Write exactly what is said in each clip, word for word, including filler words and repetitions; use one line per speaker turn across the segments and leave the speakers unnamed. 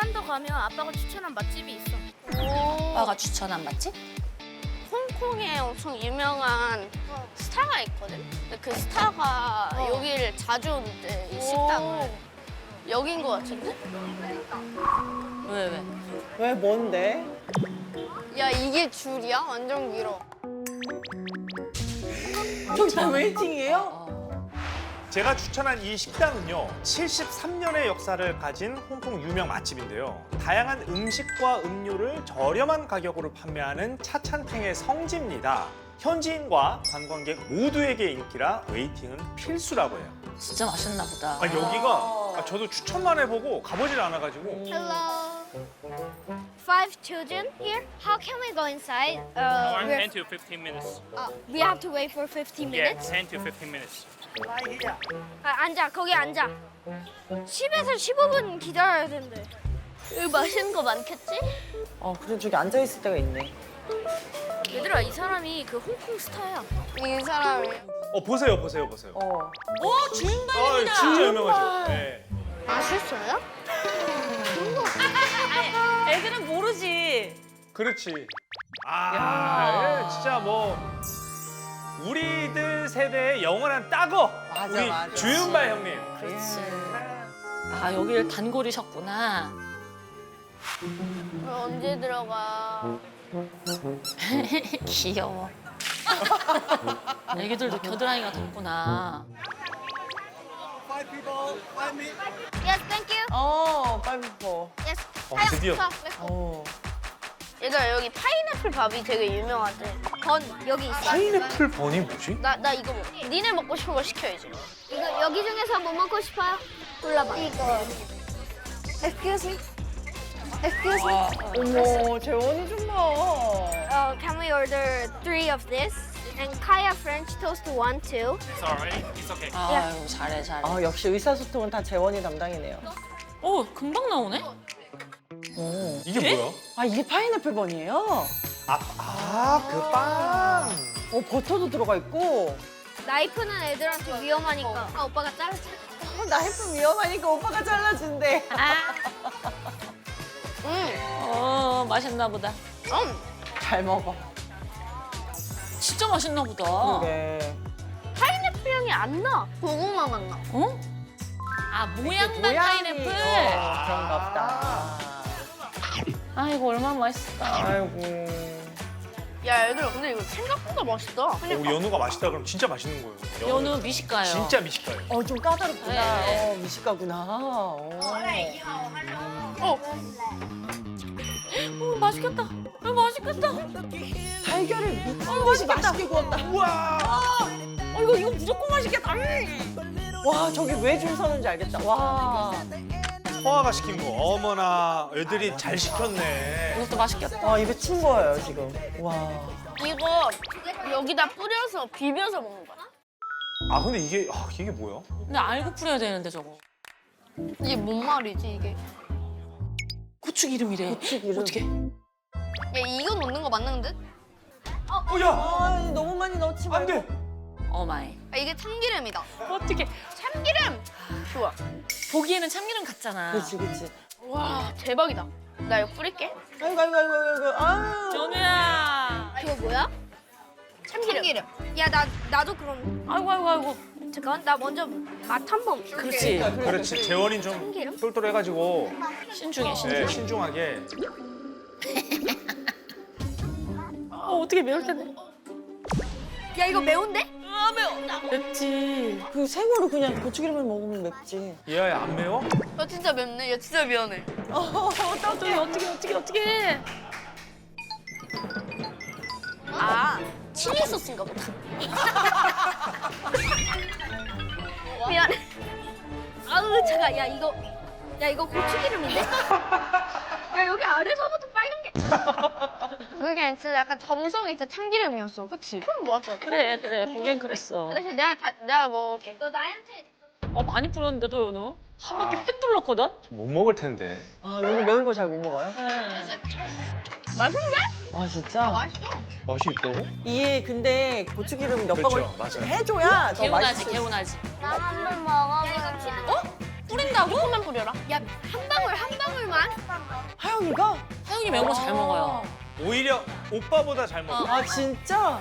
조금만 더 가면 아빠가 추천한 맛집이 있어.
아빠가 추천한 맛집?
홍콩에 엄청 유명한 스타가 있거든? 근데 그 스타가 여기를 자주 오는데, 이 식당을. 여긴 거 같은데?
왜 왜?
왜 뭔데?
야, 이게 줄이야? 완전 길어.
저기 다 웨이팅이에요?
어.
제가 추천한 이 식당은요, 칠십삼 년의 역사를 가진 홍콩 유명 맛집인데요. 다양한 음식과 음료를 저렴한 가격으로 판매하는 차찬탱의 성지입니다. 현지인과 관광객 모두에게 인기라 웨이팅은 필수라고 해요.
진짜 맛있나 보다.
아, 여기가 아, 저도 추천만 해보고 가보질 않아가지고
Hello. Five children here. How can we go inside? Uh,
Around
we're-
ten to fifteen minutes.
uh, we have to wait for fifteen
Yeah,
minutes.
ten to fifteen minutes.
아, 앉아. 거기 앉아. 십에서 십오 분 기다려야 된대.
여기 맛있는 거 많겠지?
어, 그래 저기 앉아 있을 때가 있네.
얘들아, 이 사람이 그 홍콩 스타야.
이 사람이.
어 보세요 보세요 보세요.
어.
오 주인공입니다.
아, 진짜 유명하죠. 네.
맛있어요?
애들은 모르지.
그렇지. 아, 예, 진짜 뭐 우리들 세대의 영원한 따거.
맞아,
우리
맞아.
주윤발 형님.
그렇지. 아 여기를 단골이셨구나.
우리 언제 들어가?
귀여워. 애기들도 겨드랑이가 덥구나.
Yes, thank you.
어, 빨리포.
Yes.
어, 드디어.
어.
얘들아, 여기 파인애플 밥이 되게 유명하대.
건 여기 있어.
파인애플 버니 뭐지?
나, 나 이거 먹어. 니네 먹고 싶은 거 시켜야지.
이거 여기 중에서 뭐 먹고 싶어요? 골라봐. 이거. Excuse me. Excuse me.
어머, 재원이 좀 봐.
Uh, can we order three of this? And Kaya French toast one too.
It's alright. It's okay.
아유 잘해 잘해.
아, 역시 의사소통은 다 재원이 담당이네요.
오 금방 나오네.
오.
이게 뭐야?
아, 이게 파인애플 번이에요?
아, 아, 그 빵.
어, 버터도 들어가 있고.
나이프는 애들한테 위험하니까. 아, 오빠가 잘라줘.
어, 나이프 위험하니까 오빠가 잘라준대.
응.
어 맛있나 보다.
음.
잘 먹어.
진짜 맛있나 보다.
그래.
파인애플 향이 안 나. 고구마 맛 나.
어? 아 모양만
모양이,
파인애플.
어, 그런가 보다.
아 이거 얼마나 맛있을까.
아이고.
야, 얘들아, 근데 이거 생각보다 맛있다.
어, 연우가 맛있다 그러면 진짜 맛있는 거예요.
연우 미식가요.
진짜 미식가예요.
어, 좀 까다롭구나.
네.
어, 미식가구나. 어.
어,
오 맛있겠다. 어, 맛있겠다.
달걀을 미친 듯이 맛있게 구웠다.
우와.
어 이거 이거 무조건 맛있겠다.
와, 저기 왜 줄 서는지 알겠다. 와.
서아가 시킨 거. 어머나, 애들이 잘 시켰네.
이것도 맛있겠다.
와, 입에 친 거예요, 지금. 와.
이거 여기다 뿌려서 비벼서 먹는 거야.
아, 근데 이게 아, 이게 뭐야?
근데 알고 뿌려야 되는데 저거.
이게 뭔 말이지, 이게?
고추 기름이래.
고추 기름.
어떻게?
야, 이거 넣는 거 맞는 듯?
어, 야,
아, 너무 많이 넣지
안
말고.
돼.
어마이.
아, 이게 참기름이다.
어떻게?
참기름! 좋아.
보기에는 참기름 같잖아.
그렇지, 그렇지.
와, 대박이다. 나 이거 뿌릴게.
아이고, 아이고, 아이고, 아이고. 아유.
연우야.
이거 뭐야?
참기름.
야, 나 나도 그럼.
아이고 아이고 아이고.
잠깐만, 나 먼저 맛 한번.
그렇지.
그렇지. 재원이 좀
참기름?
똘똘해가지고
신중해 신중.
네, 신중하게.
어 어떻게 매울 텐데?
야, 이거 매운데?
아 매워. 맵지.
그 생으로 그냥 고추기름을 먹으면 맵지.
얘야, 안 매워?
야, 진짜 맵네. 야, 진짜 미안해.
어떻게 어떻게 어떻게 어떻게?
아, 칠리 소스인가 보다. 미안해.
아우, 잠깐. 야, 이거. 야, 이거 고추기름인데? 야, 여기 아래서부터 빨간 게.
그게 진짜 약간 점성이 있어. 참기름이었어. 그치? 그럼 맞아.
그래 그래 보기엔 그랬어.
대신 내가, 다, 내가 먹을게.
너 나한테.
어 많이 뿌렸는데도 연우 한 바퀴 휙 둘렀거든.
못 먹을 텐데.
아, 여기 매운 거 잘 못 먹어요?
맛있는데?
아, 진짜?
맛있어.
맛이 있다고?
이게 근데 고추기름 몇
그렇죠,
방울
맞아요.
해줘야 더
개운하지
맛있어.
개운하지.
나 한 번 먹어볼래.
뿌린다고?
조금만 뿌려라.
야, 한 방울 한 방울만.
하영이가?
하영이 매운 거 잘 먹어요.
오히려 오빠보다 잘 먹어.
아 진짜?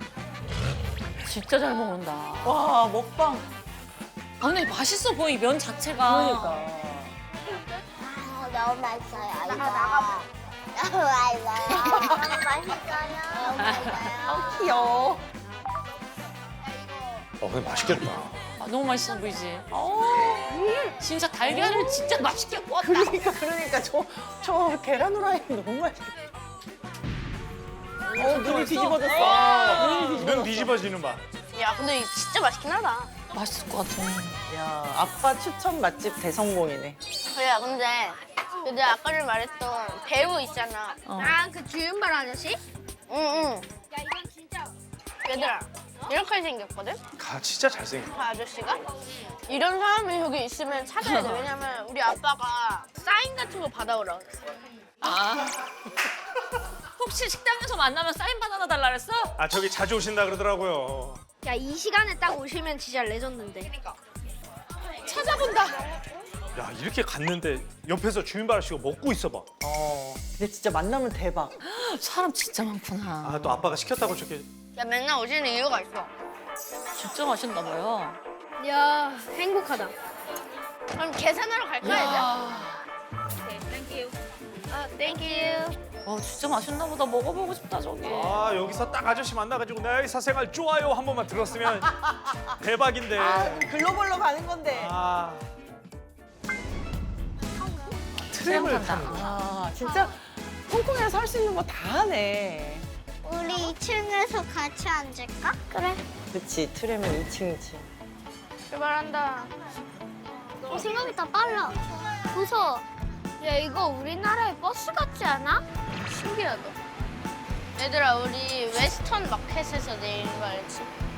진짜 잘 먹는다.
와 먹방.
아, 근데 맛있어 보여, 이 면 자체가.
그러니까.
아, 너무 맛있어요. 이거. 나가. 너무 맛있어요. 너무 맛있어요. 너무 맛있어요.
아 귀여워.
어, 근데 맛있겠다.
아, 너무 맛있어 보이지? 어, 진짜 달걀을 진짜 맛있게 구웠다.
그러니까 그러니까 저 저 계란 후라이 너무 맛있겠다. 어 눈이 뒤집어졌어. 눈이 뒤집어졌어.
눈 뒤집어지는 맛.
야, 근데 이거 진짜 맛있긴 하다.
맛있을 것 같아.
야 아빠 추천 맛집 대성공이네.
그래, 근데 근데 아까 전에 말했던 배우 있잖아.
어.
아, 그 주윤발 아저씨?
응, 응.
야, 이건 진짜.
얘들아, 이렇게 생겼거든?
가 진짜 잘생겼다.
그 아저씨가? 이런 사람이 여기 있으면 찾아야 돼. 왜냐면 우리 아빠가 사인 같은 거 받아오라고 그랬어.
아. 혹시 식당에서 만나면 사인 바나나 달라 그랬어?
아, 저기 자주 오신다 그러더라고요.
야, 이 시간에 딱 오시면 진짜 레전드인데.
찾아본다.
야, 이렇게 갔는데 옆에서 주인발 씨가 먹고 있어 봐.
어 근데 진짜 만나면 대박.
사람 진짜 많구나.
아, 또 아빠가 시켰다고 저렇게.
야, 맨날 오시는 이유가 있어.
진짜 맛있나 봐요.
야, 행복하다.
그럼 계산하러 갈까, 이제?
야.
아, 땡큐.
와, 진짜 맛있나 보다. 먹어보고 싶다, 저기.
아, 여기서 딱 아저씨 만나가지고 내 사생활 좋아요 한 번만 들었으면 대박인데.
아 글로벌로 가는 건데.
아. 트램을
트램
타는
탄다.
거야.
아 진짜 홍콩에서 할 수 있는 거 다 하네.
우리 이 층에서 같이 앉을까? 그래.
그치 트램은 이 층이지.
출발한다.
어, 생각보다 빨라. 무서워.
야, 이거 우리나라의 버스 같지 않아?
신기하다. 얘들아, 우리 웨스턴 마켓에서 내리는 거 알지?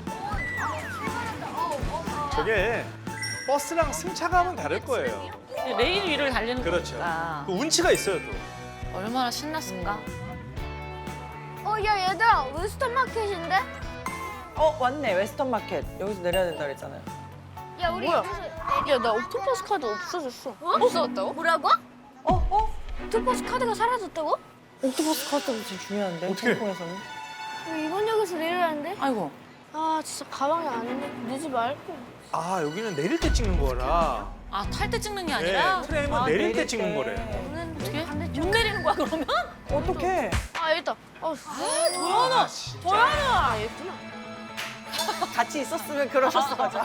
저게 버스랑 승차감은 다를 거예요.
레일 위를 달리는
그렇죠.
거니까.
그 운치가 있어요 또.
얼마나 신났을까?
어, 야, 얘들아, 웨스턴 마켓인데?
어 왔네 웨스턴 마켓. 여기서 내려야 된다 그랬잖아요.
야, 우리
뭐야?
여기서
야, 나 옥토퍼스 카드 없어졌어. 없어졌다고?
뭐라고?
어 어?
투버스 카드가 사라졌다고?
옥토퍼스 카드가 진짜 중요한데
어떡해?
홍콩에서는.
야, 이번 역에서 내려야 하는데?
아이고.
아, 진짜 가방이 안 돼. 늦지 말고.
아, 여기는 내릴 때 찍는 거라.
아, 탈 때 찍는 게
네,
아니라?
트램은
아,
내릴 때
내릴
찍는
때.
거래.
어떻게? 못 내리는 거야, 그러면?
어떡해?
아, 여기 있다. 어,
도연아, 진짜.
도연아! 아, 있구나.
같이 있었으면 그러셨어 맞아.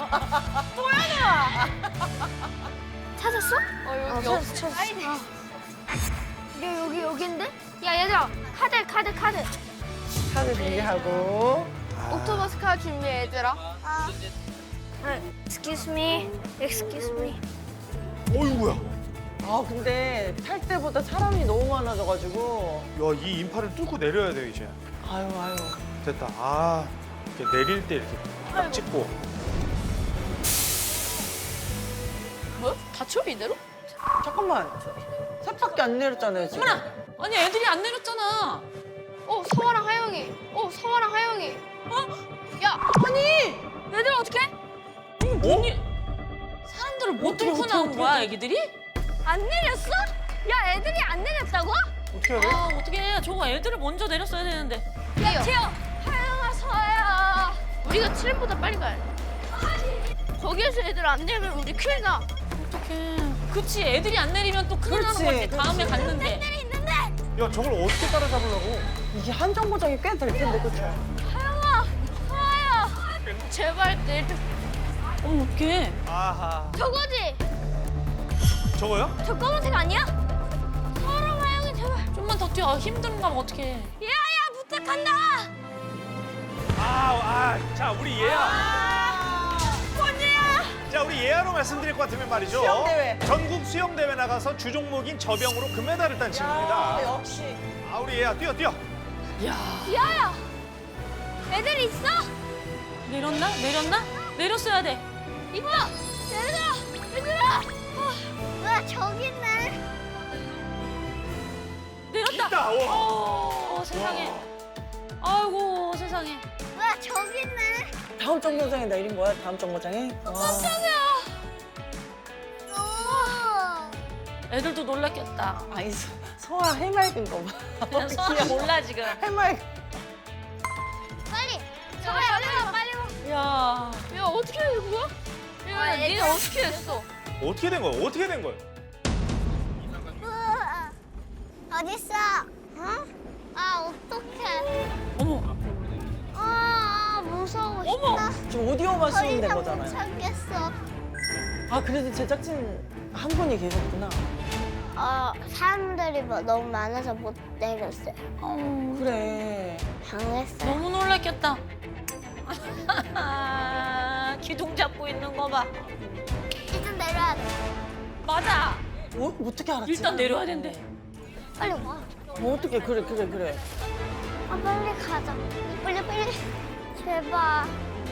찾았어?
어, 여기 없어.
야, 여기, 여긴데? 야, 얘들아, 카드, 카드, 카드.
카드 준비하고.
옥토버스 카드 준비해, 얘들아.
아, excuse me, excuse me.
어이구야.
아 근데 탈 때보다 사람이 너무 많아져가지고.
야, 이 인파를 뚫고 내려야 돼 이제.
아유 아유.
됐다. 아, 이렇게 내릴 때 이렇게 딱 찍고.
뭐야? 다쳐, 이대로?
잠깐만. 셋밖에 안 내렸잖아요 지금.
어머나! 아니, 애들이 안 내렸잖아.
어, 서화랑 하영이. 어, 서화랑 하영이. 어? 야,
얘들 어떻게? 언니, 사람들을 못
어떻게,
뚫고
어떻게,
나온
어떻게,
거야,
어떻게.
애기들이?
안 내렸어? 야, 애들이 안 내렸다고?
어떻게 해야 돼?
아, 어떻게 해. 저거 애들을 먼저 내렸어야 되는데.
야,
태어, 하영아, 서아야.
우리가 트램보다 빨리 가야 돼. 거기에서 애들 안 내면 우리 큰일 나.
어떡해. 그치, 애들이 안 내리면 또 큰일 나는
그렇지,
거지. 다음에 갔는데.
야, 저걸 어떻게 따라잡으려고?
이게 한정 보장이 꽤 될 텐데 그렇죠?
하영아, 서아야.
제발 내려.
어머, 어떡해.
아하.
저거지?
저거요?
저 검은색 아니야? 서아랑 하영이 제발.
좀만 더 뛰어. 힘든가 봐, 어떡해.
야야, 부탁한다.
아, 아, 자, 우리 예아.
언니야.
자, 우리 예아로 말씀드릴 것 같으면 말이죠.
수영대회.
전국 수영대회 나가서 주종목인 저병으로 금메달을 딴
야
친구입니다.
역시.
아, 우리 예아 뛰어, 뛰어.
야야. 애들 있어?
내렸나? 내렸나? 내렸어야 돼.
이봐. 얘들아, 얘들아.
와, 저기 있네.
내렸다.
있다. 와.
어, 세상에. 아이고, 세상에.
와, 저기 있네.
다음 정거장에 내린 거야? 다음 정거장에? 와.
어,
애들도 놀랐겠다.
아니 서- 서아 해맑은 거 봐.
그냥 서아 몰라 지금.
해맑.
빨리. 서아야 빨리 와 빨리 와.
야.
야 어떻게 된 거야? 야 니네 어떻게 했어?
어떻게 된 거야? 어떻게 된 거야?
우와. 어딨어? 어? 아 어떡해.
어머.
아 무서워.
어머.
지금 오디오만
더
쓰면 된
이상 못
거잖아요.
참겠어.
아 그래도 제작진 한 분이 계셨구나.
어 사람들이 뭐 너무 많아서 못 내렸어요.
그래.
당했어요.
너무 놀랐겠다. 기둥 잡고 있는 거 봐.
이제 내려야 돼.
맞아.
어? 어떻게 알았지?
일단 내려야 된대.
빨리 와.
어, 어떻게 그래 그래 그래.
아 빨리 가자. 빨리 빨리. 제발.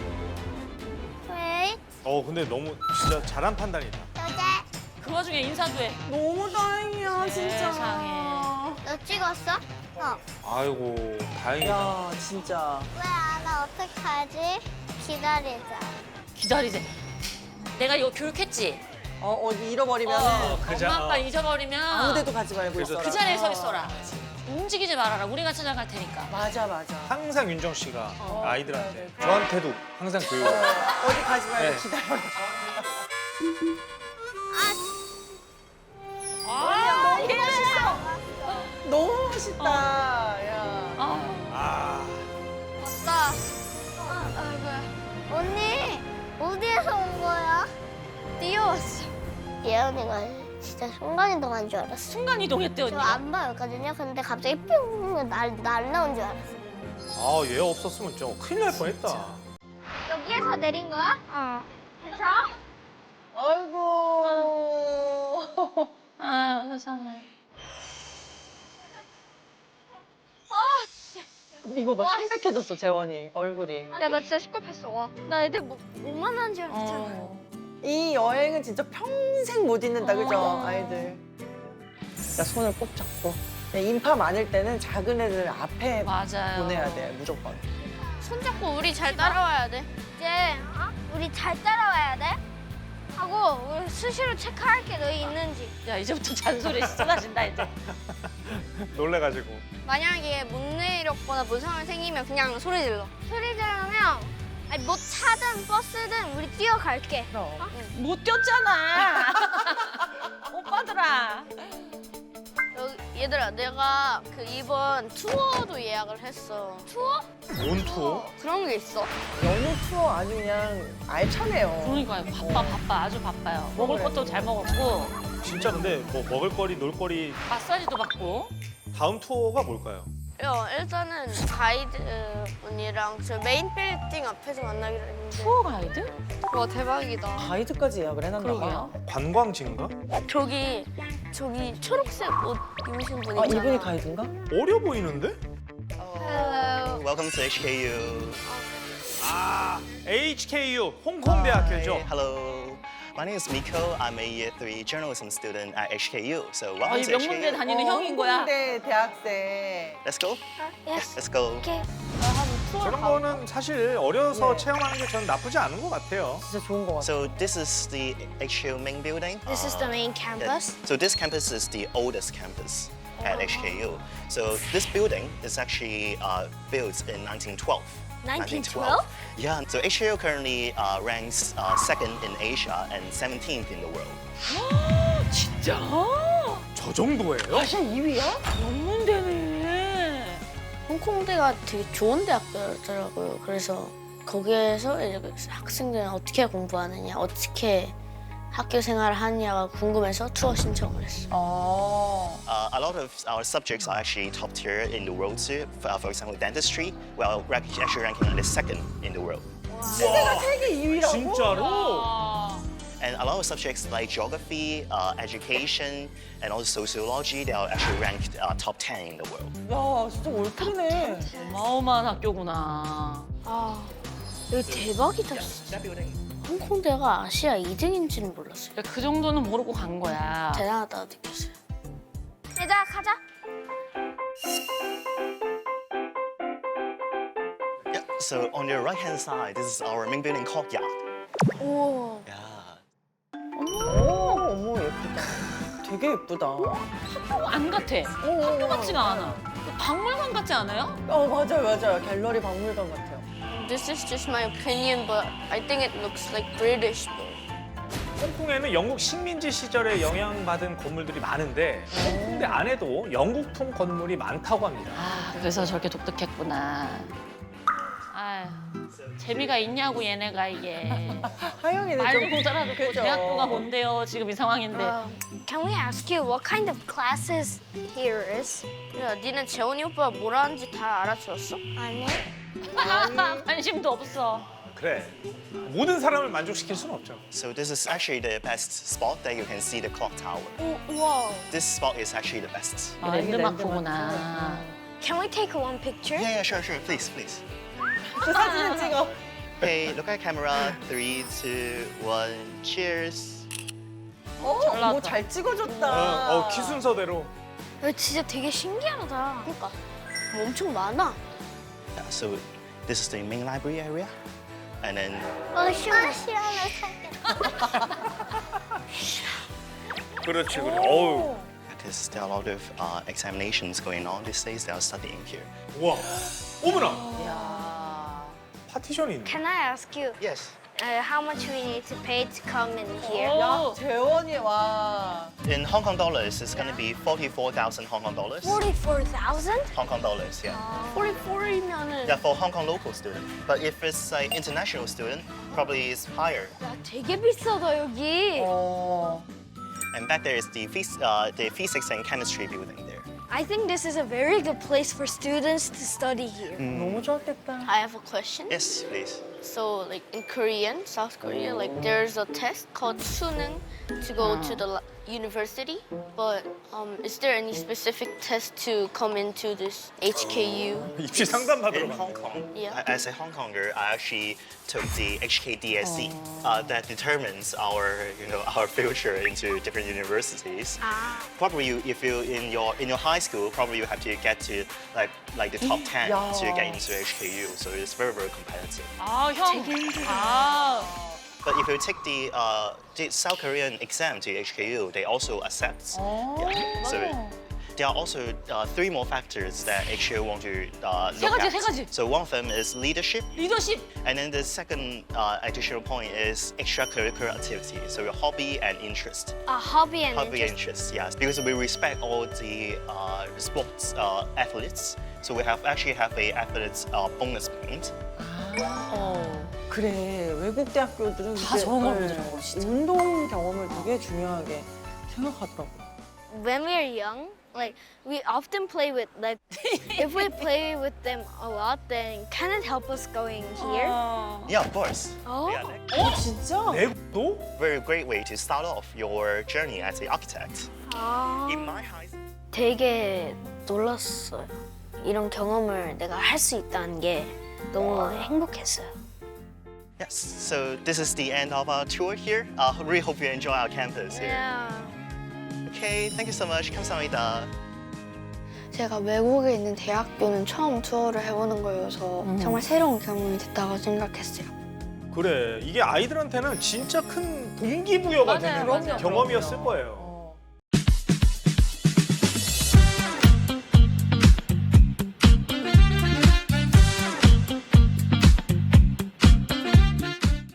왜?
어 근데 너무 진짜 잘한 판단이다.
여자.
그 와중에 인사도 해.
너무 다행이야 진짜.
세상에.
너 찍었어? 어.
아이고 다행이다.
야 진짜.
왜 안 와? 어떡하지? 기다리자.
기다리세. 내가 이거 교육했지?
어 어디 잃어버리면
어,
그자-
엄마 아빠
어.
잊어버리면
아무데도 가지 말고
그래서
있어라.
그 자리에 서 있어라. 움직이지 말아라. 우리가 찾아갈 테니까.
맞아 맞아.
항상 윤정 씨가
어,
아이들한테
네, 네.
저한테도 항상 교육.
어, 어디 가지 말고
네.
기다려라.
아,
너무 멋있어. 너무 멋있다. 야.
아,
아
왔다. 아, 아이고야. 언니, 어디에서 온 거야? 뛰어왔어. 예언이가 진짜 순간이동한 줄 알았어.
순간 이동했대 언니.
저 안 보였거든요. 근데 갑자기 뿅 날, 날라온 줄 알았어.
아, 얘 없었으면 좀 큰일 날 뻔했다.
여기에서 내린 거야? 어. 그래서?
아이고.
아, 세상에.
이거 봐 창백해졌어 재원이 얼굴이.
야, 나 진짜 시급했어. 와. 나 애들 뭐, 뭐만 하는 줄 알았잖아.
어.
이 여행은 진짜 평생 못 잊는다 그죠
어.
아이들. 야 손을 꼭 잡고. 야, 인파 많을 때는 작은 애들 앞에
맞아요.
보내야 돼 무조건.
손잡고 우리 잘 따라와야 돼.
이제 어? 우리 잘 따라와야 돼. 하고 우리 수시로 체크할게 너희 있는지.
야, 이제부터 잔소리 쏟아진다 이제.
놀래가지고.
만약에 못 내렸거나 무슨 상황이 생기면 그냥 소리 질러.
소리 지르면 아니 뭐 차든 버스든 우리 뛰어갈게.
그럼.
못 뛰었잖아. 오빠들아.
여기, 얘들아, 내가 그 이번 투어도 예약을 했어.
투어?
온 투어?
그런 게 있어.
연휴 투어 아주 그냥 알차네요.
그러니까요. 바빠 바빠 아주 바빠요. 먹을
그래.
것도 잘 먹었고
진짜 근데 뭐 먹을거리, 놀거리
마사지도 받고.
다음 투어가 뭘까요?
야, 일단은 가이드 분이랑 저 메인 빌딩 앞에서 만나기로 했는데.
투어 가이드?
와, 대박이다.
가이드까지 예약을 해놨나 봐.
그러게요.
관광지인가?
저기, 저기 초록색 옷 입으신 분
아
있잖아.
이분이 가이드인가?
어려 보이는데?
Hello.
Welcome to H K U.
아, 에이치케이유 홍콩대학교죠.
Hi, hello. My name is Miko. I'm a year three journalism student at H K U. So
아,
welcome
이
to H
명문대
K U.
다니는 형인 거야.
네 대학생.
Let's go.
Yes.
Let's go.
오케이.
저런 거는 사실 어려서
네.
체험하는 게 전 나쁘지 않은 것 같아요.
진짜 좋은 것 같아.
So this is the H K U main building.
This is the main campus.
Yeah. So this campus is the oldest campus at H K U. So this building is actually uh, built in nineteen twelve.
nineteen twelve?
Yeah. So H K U currently uh, ranks uh, second in Asia and seventeenth in the world.
진짜?
저 정도예요?
아시아 이 위야?
명문대네.
홍콩대가 되게 좋은 대학교더라고요. 그래서 거기에서 이제 학생들은 어떻게 공부하느냐, 어떻게 학교 생활을 하느냐가 궁금해서 투어 신청을 했어.
어.
Uh, a lot of our subjects are actually top tier in the world too. For, for example, dentistry, well, we're actually ranking on the second in the world.
시대가 세계 이 위라고?
진짜로?
아,
And a lot of subjects like geography, uh, education, and also sociology, they are actually ranked uh, top ten in the world.
야 진짜 올킬이네.
어마어마한 학교구나.
아, 여기 대박이다, 진짜. 홍콩대가 아시아 이 등인지는 몰랐어요.
야, 그 정도는 모르고 간 거야.
대단하다고 느꼈어요.
얘들아 가자.
Yeah. So on your right-hand side, this is our main building courtyard.
오.
Yeah.
오 어머 예쁘다. 되게 되게 예쁘다.
안 같아. 학교 같지가 않아. 박물관 같지 않아요?
어, 맞아요, 맞아요. 갤러리 박물관 같아요.
This is just my opinion, but I think it looks like British though.
홍콩에는 영국 식민지 시절에 영향받은 건물들이 많은데 홍콩대 안에도 영국풍 건물이 많다고 합니다.
아, 그래서 저렇게 독특했구나. 아, 재미가 있냐고 얘네가 이게.
하영이는
말도
좀
못 알아듣고
그죠?
대학교가 뭔데요? 지금 이 상황인데.
Um, can we ask you what kind of classes here is?
야, 니는 재원이 오빠가 뭐라 하는지 다 알아들었어?
아니.
관심도 없어.
그래. 모든 사람을 만족시킬 수는 없죠.
So this is actually the best spot that you can see the clock tower.
Whoa.
This spot is actually the best.
이게 랜드마크구나.
Can we take one picture?
Yeah, yeah, sure, sure. Please, please.
그 사진을 찍어.
Okay, look at camera. Three, two, one. Cheers.
어,
잘 나왔다.
뭐 잘 찍어줬다.
어, 어, 키 순서대로.
이거 진짜 되게 신기하다.
그러니까 뭐 엄청 많아.
Yeah, so this is the main library area. And then
어, 시원해. 시원해.
그렇지, 그래. 어우.
because there are a lot of uh, examinations going on these days, they are studying here.
우와. 어머나.
야.
파티션이 있네.
Can I ask you
Yes.
uh, how much we need to pay to come in here?
오.
재원이 와.
In Hong Kong dollars, it's going to be forty-four thousand Hong Kong dollars.
forty-four thousand?
Hong Kong dollars, yeah.
사십사이면은
Yeah, for Hong Kong local student. But if it's like international student, probably it's higher.
야, 되게 비싸다 여기.
어.
And back there is the, phys- uh, the physics and chemistry building there.
I think this is a very good place for students to study here.
너무 좋았겠다.
I have a question.
Yes, please.
So, like in Korean, South Korea, like there's a test called 수능 to go to the li- university. But um, is there any specific test to come into this H K U?
입시 상담 받으러
In
가.
Hong Kong,
Yeah.
a- as a Hong Konger, I actually took the H K D S C uh, that determines our, you know, our future into different universities. Probably, you, if you in your in your high school, probably you have to get to like like the top ten
Yeah.
to get into H K U. So it's very very competitive.
아, 형. 아.
But if you take the uh, the South Korean exam to H K U, they also accept. Yeah. So there are also uh, three more factors that H K U want to uh,
세
look
가지,
at.
세 가지.
So one of them is leadership.
리더십.
And then the second uh, additional point is extracurricular activity, so your hobby and interest.
A hobby and
Hobby and
interest.
interest, yes, because we respect all the uh, sports uh, athletes. So we have actually have a athletes uh, bonus point.
어.
그래, 외국 대학교들은
다
이제,
저런 걸
네,
보더라고, 진짜.
운동 경험을 되게 중요하게 생각하더라고요.
When we are young, like we often play with like if we play with them a lot, then can it help us going here?
Yeah, of course.
Oh.
Yeah, like,
어, 진짜?
내국도?
very great way to start off your journey as an architect.
아.
In my high
되게 놀랐어요. 이런 경험을 내가 할 수 있다는 게 너무 행복했어요.
Yes, so this is the end of our tour here. I uh, really hope you enjoy our campus here.
Yeah.
Okay, thank you so much. 감사합니다.
제가 외국에 있는 대학교는 처음 투어를 해보는 거여서 정말 새로운 경험이 됐다고 생각했어요.
그래. 이게 아이들한테는 진짜 큰 동기부여가
맞아요,
되는
맞아요.
경험이었을 거예요.